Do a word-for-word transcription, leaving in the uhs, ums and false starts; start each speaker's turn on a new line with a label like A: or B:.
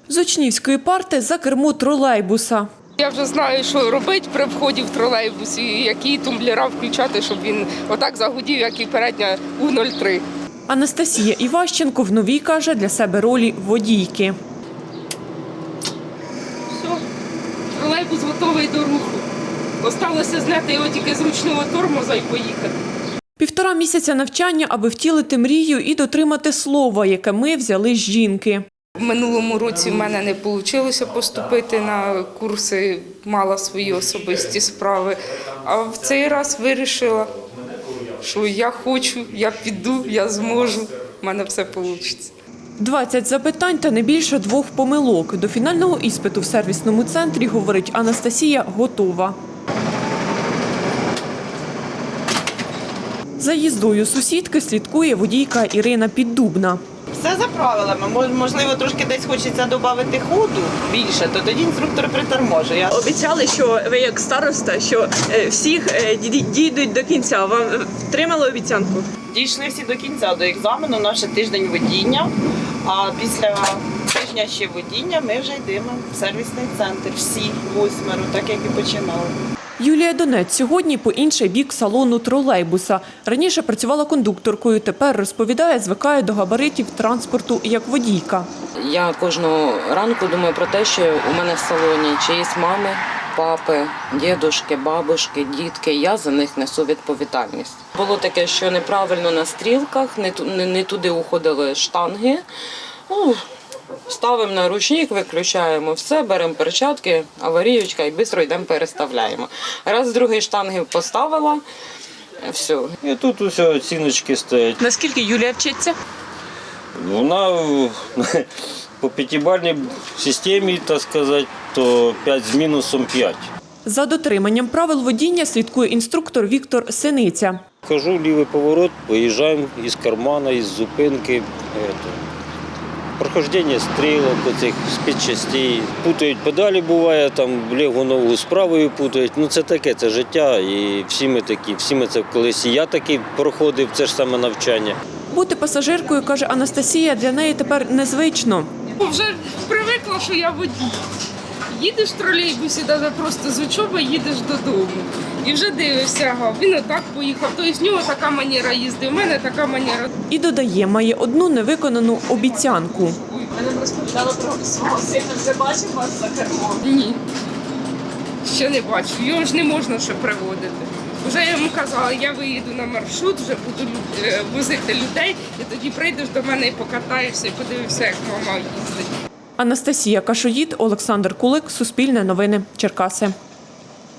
A: З учнівської парти за кермо тролейбуса.
B: Я вже знаю, що робити при вході в тролейбус і які тумблера включати, щоб він отак загудів, як і передня У нуль три.
A: Анастасія Іващенко в новій, каже, для себе ролі водійки.
B: Все, тролейбус готовий до руху. Осталося зняти його тільки з ручного тормоза і поїхати.
A: Півтора місяця навчання, аби втілити мрію і дотримати слова, яке ми взяли з жінки.
B: В минулому році в мене не вийшло поступити на курси, мала свої особисті справи. А в цей раз вирішила, що я хочу, я піду, я зможу, в мене все вийде.
A: двадцять запитань та не більше двох помилок. До фінального іспиту в сервісному центрі, говорить Анастасія, готова. За їздою сусідки слідкує водійка Ірина Піддубна.
C: Все за правилами. Можливо, трошки десь хочеться додати ходу більше, то тоді інструктор приторможує.
D: Обіцяли, що ви як староста, що всіх дійдуть до кінця. Вам втримали обіцянку?
C: Дійшли всі до кінця, до екзамену, у нас ще тиждень водіння, а після тижня ще водіння ми вже йдемо в сервісний центр. Всі восьмеро, так як і починали.
A: Юлія Донець сьогодні по інший бік салону тролейбуса. Раніше працювала кондукторкою, тепер, розповідає, звикає до габаритів транспорту як водійка.
E: Я кожного ранку думаю про те, що у мене в салоні чиїсь мами, папи, дідушки, бабушки, дітки. Я за них несу відповідальність. Було таке, що неправильно на стрілках, не, не, не туди уходили штанги. Ну, ставимо на ручник, виключаємо все, беремо перчатки, аварійочка і швидко йдемо переставляємо. Раз, другий штанги поставила, все.
F: І тут усе оціночки стоять.
D: Наскільки Юлія вчиться?
F: Вона по п'ятибальній системі, так сказати, то п'ять з мінусом п'ять.
A: За дотриманням правил водіння слідкує інструктор Віктор Синиця.
F: Кажу, лівий поворот, виїжджаємо із кармана, із зупинки. Прохождення стрілок, оцих спецчастей. Путають педалі, буває, там ліву ногу з правою путають. Ну це таке, це життя, і всі ми такі, всі ми це колись. І я такий проходив, це ж саме навчання.
A: Бути пасажиркою, каже Анастасія, для неї тепер незвично.
B: Вже привикла, що я водій. Їдеш в тролейбусі, навіть просто з учоби їдеш додому. І вже дивишся, ага, він отак поїхав. Тобто в нього така манера їзди, в мене така манера.
A: І додає, має одну невиконану обіцянку.
D: Ви нам розповідали про свого сина. Вже бачив вас за кермом?
B: Ні, ще не бачу. Його ж не можна ще приводити. Вже я йому казала, я виїду на маршрут, вже буду возити людей, і тоді прийдеш до мене і покатаєшся, і подивишся, як мама їздить.
A: Анастасія Кашоїд, Олександр Кулик, Суспільне новини, Черкаси.